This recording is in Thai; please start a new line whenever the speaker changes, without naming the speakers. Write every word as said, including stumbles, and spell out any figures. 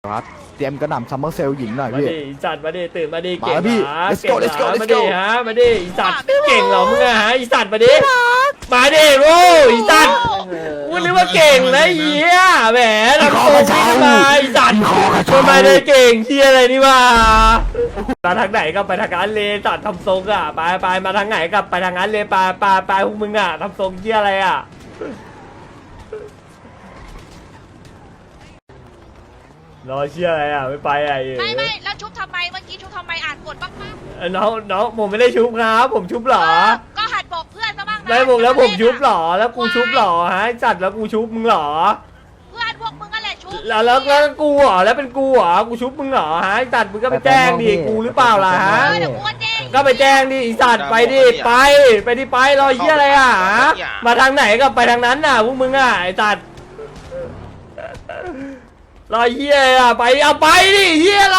ครับเตรียมกระหน่ำซัมเมอร์เซลหญิงหน่อย
มา
พี่
ดิจัดมาดิตื่นมาดิ
มา
เก่ง
แล้วพี่
เหรอ
let's
เก่
go
ง
let's go
เหรอ
let's
มา
go
ดิฮะมาดิอีสัตว์เก่งเหรอมึงอะฮะอีสัตว์มาดิมาดิโว้ยอีสัตว์กูนึกว่าเก่งนะเหี้ยแหมทำโตขึ้นมาอีสัตว์ทำไมได้เก่งเหี้ยอะไรนี่วะมาทางไหนก็ไปทางนั้นเลยสัตว์ทำทรงอะไปไปมาทางไหนก็ไปทางนั้นเลยไปไปไปพวกมึงอะทำทรงเหี้ยอะไรอะรอเชี่ยอะไรอ่ะไม่ไปอ่ะ
ไม่ไม่แล้วชุบทำไมเมื่อกี้ชุบทำไมอ่านกดบ้างปะ
น้องน้องผมไม่ได้ชุบครับผมชุบเหรอ
ก็หัดบอกเพื่อนซะบ้างนะ
ไม่ผมแล้วผมชุบเหรอแล้วกูชุบเหรอฮะจัดแล้วกูชุบมึงเหรอ
เพื่อนพวกมึงอะไรชุบ
แล้วแล้วแล้วกูเหรอแล้วเป็นกูเหรอกูชุบมึงเหรอฮะจัดมึงก็ไปแจ้งดิกูหรือเปล่าล่ะฮะ
เออเดี๋ยวกูก็แจ้ง
ก็ไปแจ้งดิอีสัตว์ไปดิไปไปดิไปรอเฮียอะไรอ่ะมาทางไหนก็ไปทางนั้นน่ะพวกมึงอ่ะไอ้สัตว์รอเฮียอ่ะไปเอาไปดิเฮีย